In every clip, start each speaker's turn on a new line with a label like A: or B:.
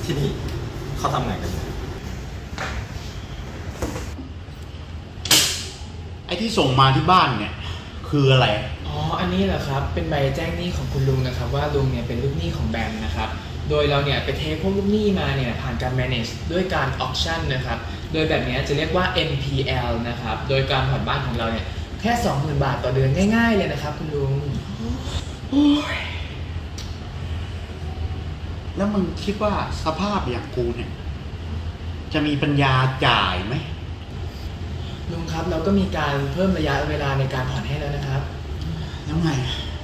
A: ที่นี่เขาทำงานกันยังไง
B: ไอ้ที่ส่งมาที่บ้านเนี่ยคืออะไร
C: อ๋อ อันนี้เหรอครับ เป็นใบแจ้งหนี้ของคุณลุงนะครับว่าลุงเนี่ยเป็นลูกหนี้ของแบมนะครับ โดยเราเนี่ยไปเทคพวกลูกหนี้มาเนี่ยผ่านการ manage ด้วยการ auction นะครับ โดยแบบนี้จะเรียกว่า NPL นะครับ โดยการผ่อนบ้านของเราเนี่ยแค่ 20,000 บาทต่อเดือนง่ายๆเลยนะครับคุณลุง
B: แล้วมึงคิดว่าสภาพอย่างกูเนี่ยจะมีปัญญาจ่ายไหม
C: ลุงครับเราก็มีการเพิ่มระยะเวลาในการผ่อนให้แล้วนะครับ
B: แล้วไง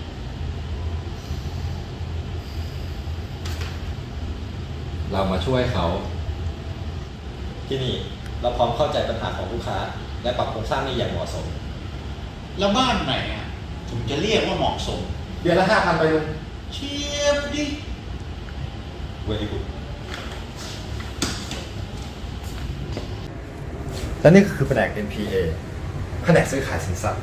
A: เรามาช่วยเขา ที่นี่เราพร้อมเข้าใจปัญหาของลูกค้า และปรับโครงสร้างหนี้อย่างเหมาะสม
B: แล้วบ้านไหนอ่ะถึงจะเรียกว่าเหมาะสม
A: เดือนละ 5,000 ไปลุง
B: เชียบดิ
A: เวลีกูและนี่คือแผนก NPA แผนกซื้อขายสินทรัพย์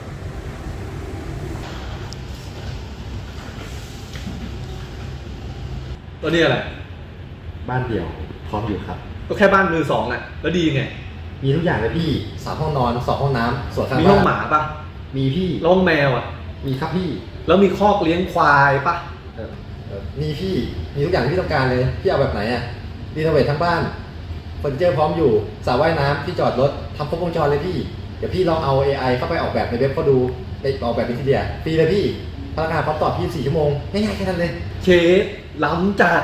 D: ตัวนี้อะไร
A: บ้านเดี่ยวพร้อมอยู่ครับ
D: ก็แค่บ้านมือสองอ่ะแล้วดีไง
A: มีทุกอย่างเลยพี่3 ห้องนอน 2 ห้องน้ำส่วนข้าง
D: มี
A: บ้าน
D: ห้องหมาปะ
A: มีพี่
D: แล้วห้องแมวอ่ะ
A: มีครับพี่
D: แล้วมีคอกเลี้ยงควายปะ
A: มีพี่ มีทุกอย่างที่พี่ต้องการเลย พี่เอาแบบไหนอ่ะรีโนเวททั้งบ้านเฟอร์นิเจอร์พร้อมอยู่สระว่ายน้ำที่จอดรถทำครบวงจรเลยพี่ เดี๋ยวพี่ลองเอา AI เข้าไปออกแบบในเว็บเขาดูไปออกแบบเป็นทีเดียฟรีเลยพี่พนักงานพร้อมตอบ24 ชั่วโมงง่ายๆแค่นั้นเลย
D: เชฟล้ำจัด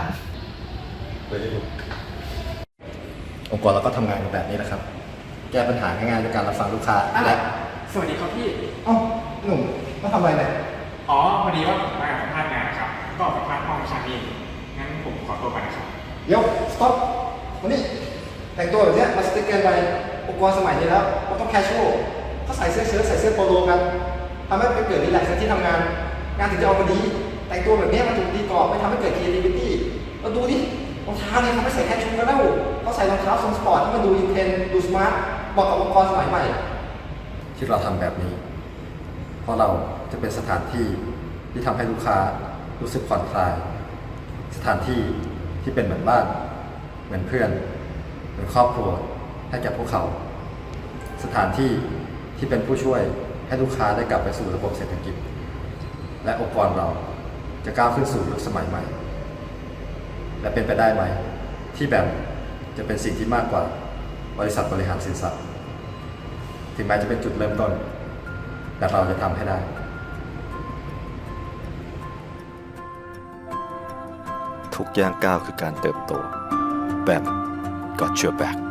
A: องค์กรเราก็ทำงานกันแบบนี้แหละครับ แก้ปัญหาง่ายๆด้วยการรับฟังลูกค้าและ
C: สวัสดีครับพี่
A: เอ้าหนุ่มมาทำอะไรเนี่ย
E: อ๋อพอดีว่าผมมาสัมภาษณ์งานนะครับ ก็สัมภาษณ์ห้องชั้นนี้งั้นผมขอตัวไปนะครับ
A: เดี๋ยวสต็อปมานี่แต่งตัวแบบเนี้ยมาสติ๊กเกอร์ไปองค์กรสมัยนี้แล้วมันต้องแคชชวลเขาใส่เสื้อเชิ้ตใส่เสื้อโปโลกันทำให้ไปเกิดรีแลกซ์ที่ทำงาน งานถึงจะออกมาดี แต่งตัวแบบเนี้ยมันถูกตีกรอบไม่ทำให้เกิด creativity เราดูดิรองเท้าเนี่ยเขาไม่ใส่แคชชวลกันแล้วเขาใส่รองเท้าทรงสปอร์ตที่มันดูอินเทนดูสมาร์ทเหมาะกับองค์กรสมัยใหม่ ที่เราทำแบบนี้ เพราะเราจะเป็นสถานที่ที่ทำให้ลูกค้ารู้สึกผ่อนคลาย สถานที่ที่เป็นเหมือนบ้านเหมือนเพื่อนเหมือนครอบครัวให้แก่พวกเขา สถานที่ที่เป็นผู้ช่วยให้ลูกค้าได้กลับไปสู่ระบบเศรษฐกิจ และองค์กรเราจะก้าวขึ้นสู่ยุคสมัยใหม่ และเป็นไปได้ไหมที่แบบจะเป็นสิ่งที่มากกว่าบริษัทบริหารสินทรัพย์ถึงแม้จะเป็นจุดเริ่มต้น แต่เราจะทำให้ได้
F: ทุกย่างก้าวคือการเติบโตแบบ Got Your Back